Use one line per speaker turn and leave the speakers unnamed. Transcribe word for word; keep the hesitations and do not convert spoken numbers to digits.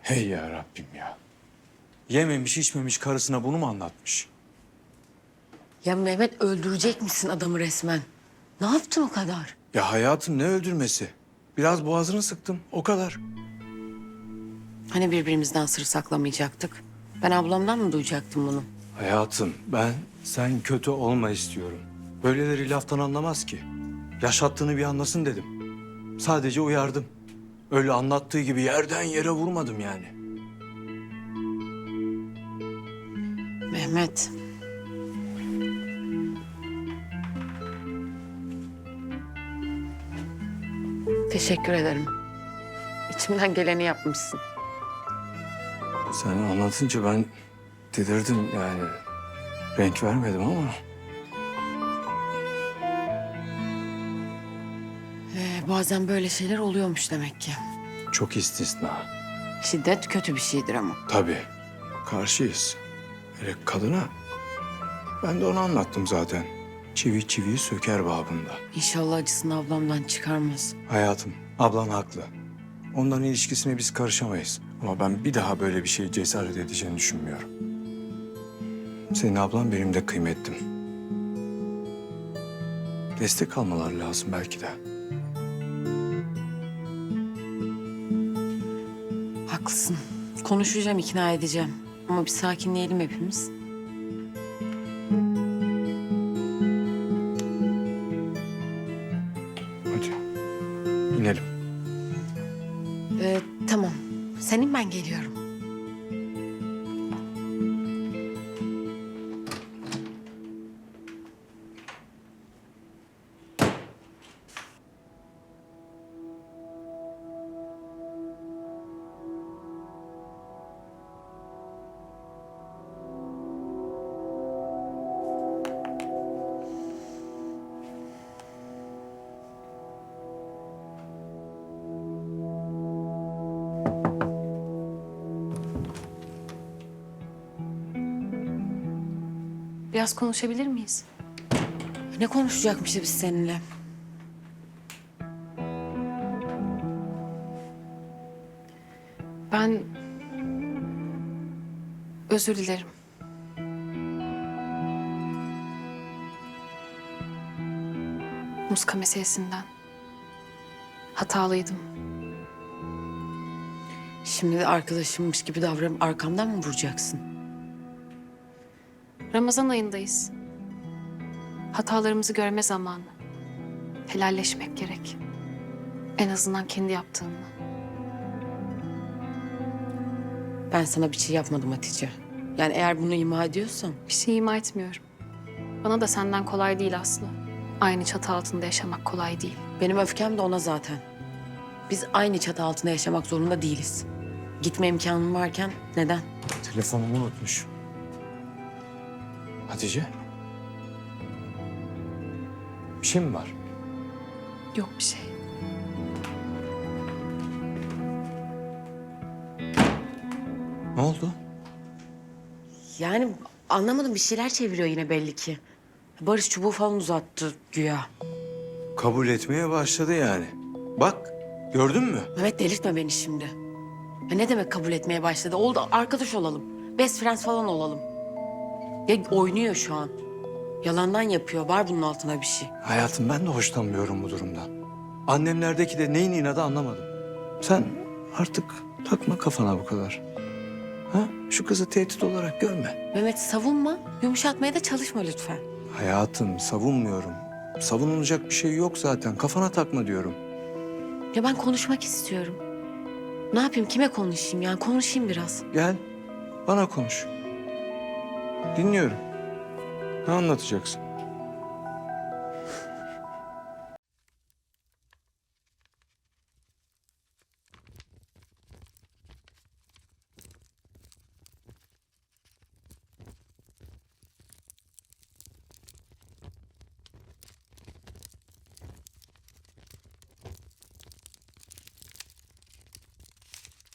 Hey ya Rabbim ya. Yememiş içmemiş karısına bunu mu anlatmış?
Ya Mehmet öldürecek misin adamı resmen? Ne yaptın o kadar?
Ya hayatım ne öldürmesi? Biraz boğazını sıktım o kadar.
Hani birbirimizden sır saklamayacaktık? Ben ablamdan mı duyacaktım bunu?
Hayatım ben sen kötü olma istiyorum. Böyleleri laftan anlamaz ki. Yaşattığını bir anlasın dedim. Sadece uyardım. Öyle anlattığı gibi yerden yere vurmadım yani.
Mehmet. Teşekkür ederim. İçimden geleni yapmışsın.
Sen anlatınca ben delirdim yani. Renk vermedim ama.
Ee, bazen böyle şeyler oluyormuş demek ki.
Çok istisna.
Şiddet kötü bir şeydir ama.
Tabii. Karşıyız. Hele kadına. Ben de onu anlattım zaten. Çivi çiviyi söker babında.
İnşallah acısını ablamdan çıkarmaz.
Hayatım, ablan haklı. Onların ilişkisine biz karışamayız. Ama ben bir daha böyle bir şeye cesaret edeceğini düşünmüyorum. Senin ablan benim de kıymetlim. Destek almalar lazım belki de.
Haklısın. Konuşacağım, ikna edeceğim. Ama bir sakinleyelim hepimiz.
Hadi. İnelim.
Ee, tamam. Senin ben geliyorum.
Biraz konuşabilir miyiz?
Ne konuşacakmışız biz seninle?
Ben özür dilerim. Muska meselesinden. Hatalıydım.
Şimdi de arkadaşımmış gibi davranıp arkamdan mı vuracaksın?
Ramazan ayındayız. Hatalarımızı görme zamanı. Helalleşmek gerek. En azından kendi yaptığınla.
Ben sana bir şey yapmadım Hatice. Yani eğer bunu ima ediyorsan...
Bir şey ima etmiyorum. Bana da senden kolay değil Aslı. Aynı çatı altında yaşamak kolay değil.
Benim öfkem de ona zaten. Biz aynı çatı altında yaşamak zorunda değiliz. Gitme imkanım varken neden?
Telefonumu unutmuş. Hatice. Bir şey mi var?
Yok bir şey.
Ne oldu?
Yani anlamadım, bir şeyler çeviriyor yine belli ki. Barış çubuğu falan uzattı güya.
Kabul etmeye başladı yani. Bak, gördün mü?
Mehmet delirtme beni şimdi. Ya ne demek kabul etmeye başladı? Oldu, arkadaş olalım. Best friends falan olalım. Ya oynuyor şu an. Yalandan yapıyor. Var bunun altında bir şey.
Hayatım ben de hoşlanmıyorum bu durumdan. Annemlerdeki de neyin inadı anlamadım. Sen artık takma kafana bu kadar. Ha? Şu kızı tehdit olarak görme.
Mehmet savunma. Yumuşatmaya da çalışma lütfen.
Hayatım savunmuyorum. Savunulacak bir şey yok zaten. Kafana takma diyorum.
Ya ben konuşmak istiyorum. Ne yapayım? Kime konuşayım yani? Konuşayım biraz.
Gel bana konuş. Dinliyorum. Ne anlatacaksın?